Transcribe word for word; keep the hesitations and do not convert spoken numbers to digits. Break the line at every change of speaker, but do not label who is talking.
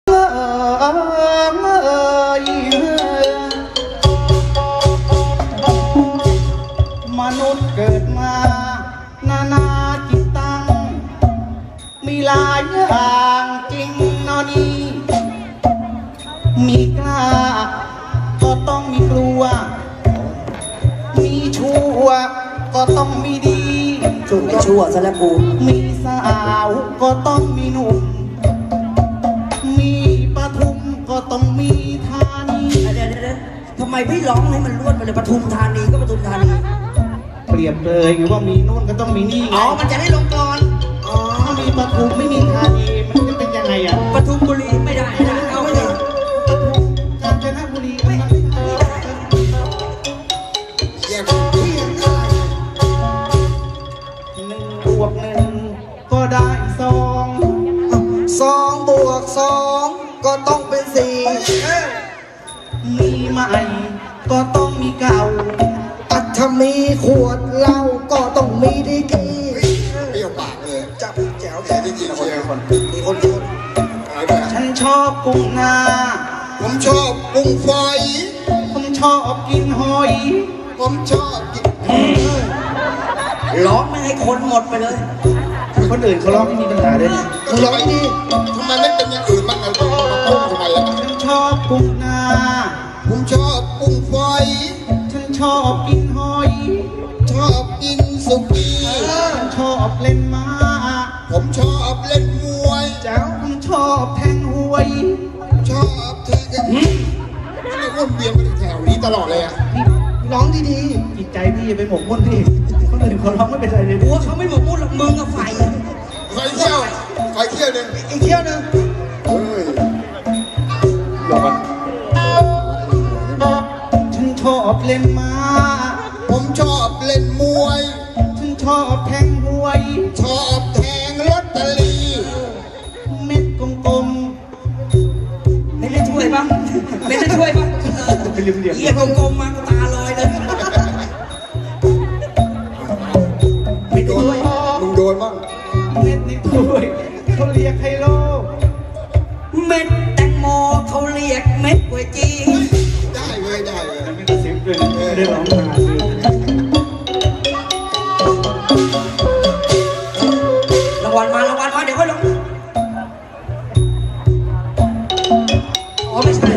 มนุษย์เกิดมานานาจิตตังมีหลายอย่างจริงนอนี่มีกล้าก็ต้องมีกลัวมีชั่วก็ต้องมีดี
ชั่วไม่ชั่วซะแล้วกู
มีสาวก็ต้องมีหนุ่มมีปทุมก็ต้องมีธานี
เดี๋ยวเดี๋ยวทำไมพี่ร้องให้มันรวดไปเลยปทุมธานีก็ปทุมธานี
เปรียบเลยไงว่ามีนู่นก็ต้องมีนี่ไง
อ๋อมันจะได้ลงก่อน
อ๋อถ้ามีปทุมไม่มีธานีมันจะเป็นยังไงอ่ะ
ปทุมบุรีไม่ได้ไม่ได้เอาไม่ได้
ปทุมกาญจนบุรีไม่ได้
แยกที่ยังได้
หนึ่งบวกหนึ่งก็ได้สอง
สองบวกสองก็ต้องเป็นสี่
มีใหม่ก็ต้องมีเก่า
อัฐมีขวดเหล้าก็ต้องมีดีกีเปรี้ยวปากเลยจับแจ๋วแต่จริงๆเชียวคนมีคนคน
ฉันชอบกุ้งนา
ผมชอบกุ้งฝอย
ผมชอบกินหอย
ผมชอบกิน
ร้องไม่ให้คนหมดไปเลย
คนอื่นเขาร้องไม่มีปัญหาเลย
มึงร้องดีทำไมไม่เป็นอย่างอื่นบ้างเราต้องมาพุ่งทำไมล่ะ
ฉันชอบกุ้งนา
ผมชอบกุ้งฝอย
ฉันชอบกินหอย
ชอบกินสุกี้
ฉันชอบเล่นม้า
ผมชอบเล่นมวย
เจ้าผมชอบแทงหวย
ชอบแทงกันไม่วนเวียนไปแถวนี้ตลอดเลยอ่ะ
ร้องดีๆจิตใจพี่อย่าไปหมกมุ่นพี่คนอื่นเขาร้องไม่เป็นไรเลย
บัวเขาไม่หมกมุ่นหรอกมึงกับไฟ
ไฟเที่ยวไฟเที่ยวหนึ่ง
อีกเที่ยวหนึ่ง
เฮ้ย
หลอกกันฉันชอบเล่นม้า
ผมชอบเล่นมวย
ฉันชอบแทงหวย
ชอบแทงลอตเตอรี่
เม็ดกลม
ๆไม่ได้ช่วยบ้างไม่ได้ช่วยบ้าง
เหลี่ยมเหลี่ยม
เยี่ยกลมๆมาตาลอยเลย
ไม่โดนมึงโดนบ้าง
เม็ดในถ้วยเขาเรียกไฮโล
เม็ดแตงโมเขาเรียกเม็ดก๋วยจี
ได้เลยได้เลย
ไม่ได้เสียงเลยไม่ได้ร้องมาเลย
รางวัลมารางวัลมาเดี๋ยวค่อยลงอ๋อไม่ใช่